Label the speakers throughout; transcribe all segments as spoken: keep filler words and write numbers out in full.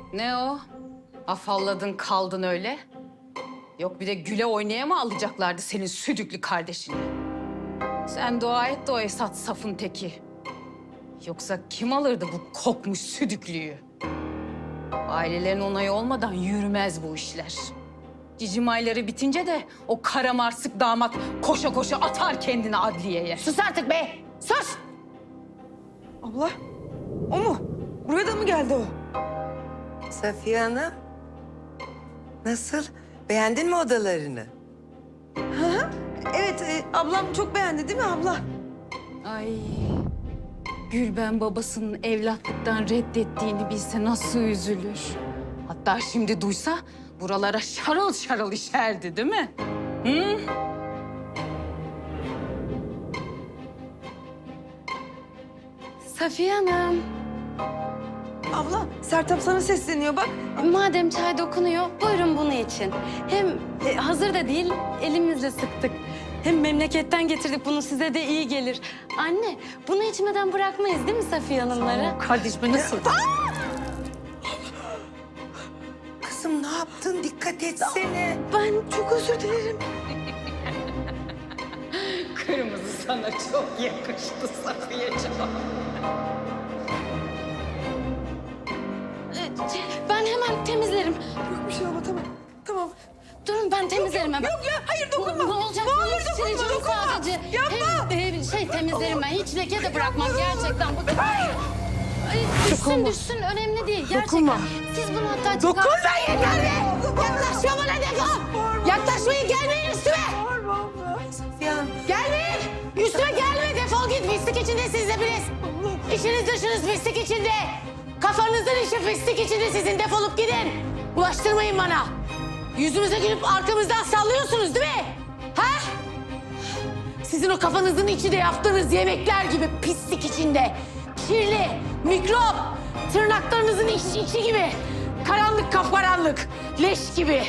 Speaker 1: Ne o? Afalladın kaldın öyle. Yok bir de güle oynaya mı alacaklardı senin südüklü kardeşini? Sen dua et de o Esat safın teki. Yoksa kim alırdı bu kokmuş südüklüyü? Ailelerin onayı olmadan yürümez bu işler. Cicim ayları bitince de o karamarsık damat koşa koşa atar kendini adliyeye.
Speaker 2: Sus artık be! Sus!
Speaker 3: Abla, o mu? Buraya da mı geldi o?
Speaker 4: Safiye Hanım, nasıl? Beğendin mi odalarını?
Speaker 3: Evet, e, ablam çok beğendi değil mi abla?
Speaker 1: Ay, Gülben babasının evlatlıktan reddettiğini bilse nasıl üzülür. Hatta şimdi duysa buralara şarıl şarıl işerdi değil mi? Hı?
Speaker 2: Safiye Hanım,
Speaker 3: Abla, Sertab sana sesleniyor bak.
Speaker 2: madem çay dokunuyor, buyurun bunu için. Hem e, hazır da değil, elimizle sıktık. Hem memleketten getirdik, bunu size de iyi gelir. Anne, bunu içmeden bırakmayız değil mi Safiye Hanımları?
Speaker 1: Kardeşime nasıl?
Speaker 4: Kızım ne yaptın? Dikkat etsene.
Speaker 2: Ben çok özür dilerim.
Speaker 1: Kırmızı sana çok yakıştı Safiye'ciğim.
Speaker 2: Ee, Ben hemen temizlerim.
Speaker 3: Yok bir şey abla, tamam. Tamam.
Speaker 2: Durun ben temizlerim hemen.
Speaker 3: Yok ya, hayır dokunma.
Speaker 2: Ne olacak?
Speaker 3: Ne olur
Speaker 2: Ben
Speaker 3: dokunma,
Speaker 2: sileceğim
Speaker 3: dokunma.
Speaker 2: sadece.
Speaker 3: Yapma.
Speaker 2: Hem e, şey temizlerim ben. Hiç leke de bırakmam gerçekten. Bu... Ay, düşsün düşsün önemli değil gerçekten.
Speaker 3: Dokunma.
Speaker 2: Siz bunu hatta
Speaker 3: Dokunma
Speaker 2: çıkar-
Speaker 3: yeter be!
Speaker 2: Yaklaşma bana defol. Yaklaşmayın, gelmeyin üstüme.
Speaker 3: Bağırma abla.
Speaker 4: Safiye Hanım,
Speaker 2: Gelmeyin. Üstüme gelme, defol git. Pislik içinde siz de biriniz. İşiniz dışınız pislik içinde. Kafanızın işi pislik içinde, sizin defolup gidin. Bulaştırmayın bana. Yüzümüze gülüp arkamızdan sallıyorsunuz değil mi? Ha? Sizin o kafanızın içi de yaptığınız yemekler gibi pislik içinde. Kirli, mikrop, tırnaklarınızın içi, içi gibi. Karanlık kapkaranlık, leş gibi.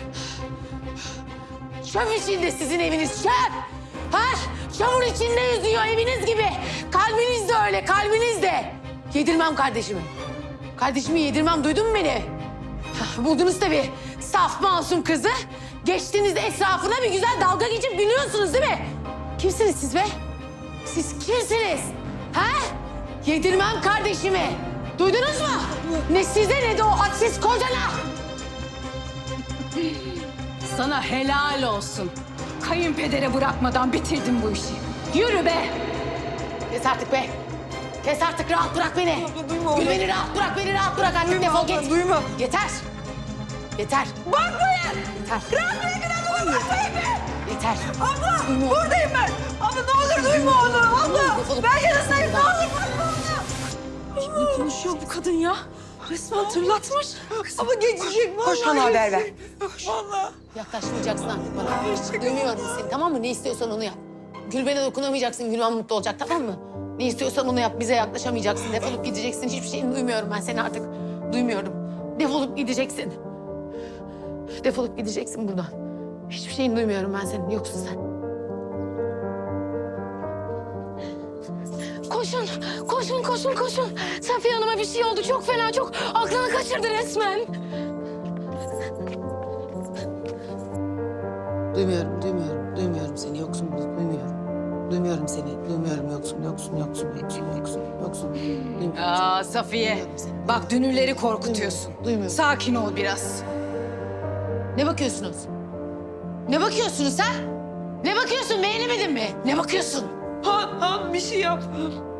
Speaker 2: Çöp içinde sizin eviniz, çöp. Ha? Çamur içinde yüzüyor eviniz gibi. Kalbiniz de öyle, kalbiniz de. Yedirmem kardeşimi. Kardeşimi yedirmem, duydun mu beni? Hah, buldunuz tabii saf masum kızı. Geçtiniz etrafına bir güzel dalga geçip gülüyorsunuz değil mi? Kimsiniz siz be? Siz kimsiniz? Ha? Yedirmem kardeşimi. Duydunuz mu? Ne size ne de o hadsiz kocana.
Speaker 1: Sana helal olsun. Kayınpedere bırakmadan bitirdin bu işi. Yürü be!
Speaker 2: Kes artık be. Kes artık, rahat bırak beni.
Speaker 3: Abla, duyma
Speaker 2: Gül
Speaker 3: onu.
Speaker 2: beni rahat bırak, beni rahat bırak. Artık
Speaker 3: Duyma
Speaker 2: defol
Speaker 3: abla,
Speaker 2: git.
Speaker 3: duyma.
Speaker 2: Yeter. Yeter.
Speaker 3: Bakmayın.
Speaker 2: Yeter.
Speaker 3: Rahat bırakın abla, bakmayın be.
Speaker 2: Yeter.
Speaker 3: Abla, buradayım ben. Abla ne olur duyma onu. Abla, ben yanındayım. Ne olur bakma ona.
Speaker 2: Ne konuşuyor bu kadın ya? Resmen hatırlatmış.
Speaker 3: Abla geçecek.
Speaker 4: koş
Speaker 3: vallahi
Speaker 4: bana haber ver.
Speaker 3: geçecek. Vallahi.
Speaker 2: Yaklaşmayacaksın artık bana. Duymuyorum seni, tamam mı? Ne istiyorsan onu yap. Gülben'e dokunamayacaksın, Gülben mutlu olacak, tamam mı? Ne istiyorsan onu yap, bize yaklaşamayacaksın. Defolup gideceksin, hiçbir şeyini duymuyorum ben seni artık. Duymuyorum. Defolup gideceksin. Defolup gideceksin buradan. Hiçbir şeyini duymuyorum ben senin, yoksun sen. Koşun, koşun, koşun, koşun. Safiye Hanım'a bir şey oldu, çok fena, çok aklını kaçırdı resmen.
Speaker 5: Duymuyorum, duymuyorum, duymuyorum seni. Yoksun, duymuyorum. Duymuyorum seni. Duymuyorum, yoksun, yoksun, yoksun, yoksun, yoksun, yoksun. Duymuyorum.
Speaker 1: Aa Safiye,
Speaker 5: Duymuyorum seni.
Speaker 1: bak dünürleri korkutuyorsun.
Speaker 5: Duymuyorum.
Speaker 1: Sakin ol biraz.
Speaker 2: Ne bakıyorsunuz? Ne bakıyorsunuz ha? Ne bakıyorsun, beğenemedin mi? Ne bakıyorsun?
Speaker 3: Han, Han bir şey yap.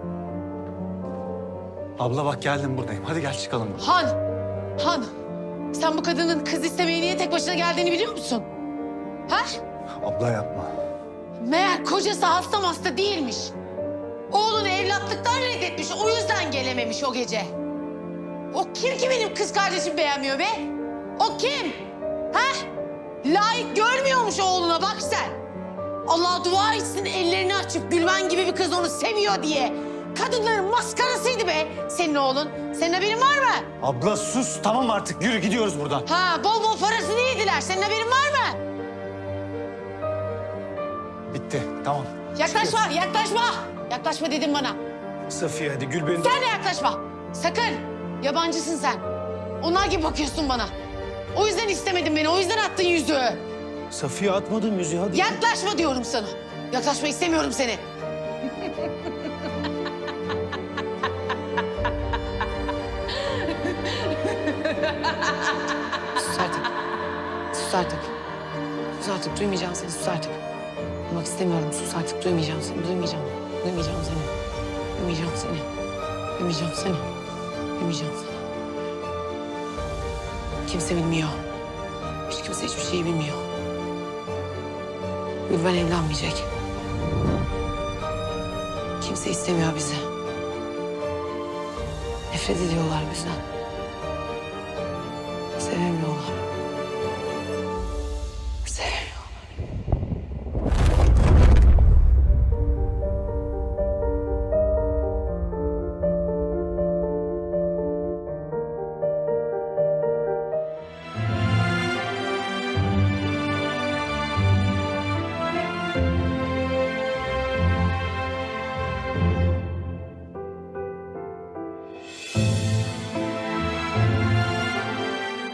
Speaker 6: Abla bak geldim buradayım. Hadi gel çıkalım.
Speaker 2: Han, Han. Sen bu kadının kız istemeye niye tek başına geldiğini biliyor musun? Ha?
Speaker 6: Abla yapma.
Speaker 2: Meğer kocası hasta hasta değilmiş. Oğlunu evlatlıktan reddetmiş, o yüzden gelememiş o gece. O kim ki benim kız kardeşim beğenmiyor be? O kim? Ha? Layık görmüyormuş oğluna, bak sen. Allah dua etsin ellerini açıp Gülben gibi bir kız onu seviyor diye. Kadınların maskarasıydı be senin oğlun. Senin haberin var mı?
Speaker 6: Abla sus tamam artık yürü gidiyoruz buradan.
Speaker 2: Ha, bol bol parasını yediler. Senin haberin var mı?
Speaker 6: Bitti tamam.
Speaker 2: Yaklaşma, yaklaşma. Yaklaşma dedim bana.
Speaker 6: Safiye hadi gül beni.
Speaker 2: Sen de yaklaşma. Sakın. Yabancısın sen. Onlar gibi bakıyorsun bana. O yüzden istemedin beni, o yüzden attın yüzüğü.
Speaker 7: Safiye atmadım yüzüğü hadi.
Speaker 2: Yaklaşma diyorum sana. Yaklaşma istemiyorum seni. Sus artık. Sus artık. Sus artık. Duymayacağım seni. Sus artık. Duymak istemiyorum. Sus artık. Duymayacağım seni. Duymayacağım. Duymayacağım seni. Duymayacağım seni. Duymayacağım seni. Duymayacağım seni. Kimse bilmiyor. Hiç kimse hiçbir şeyi bilmiyor. Gülben evlenmeyecek. Kimse istemiyor bizi. Nefret ediyorlar bizden. Sevemiyorlar.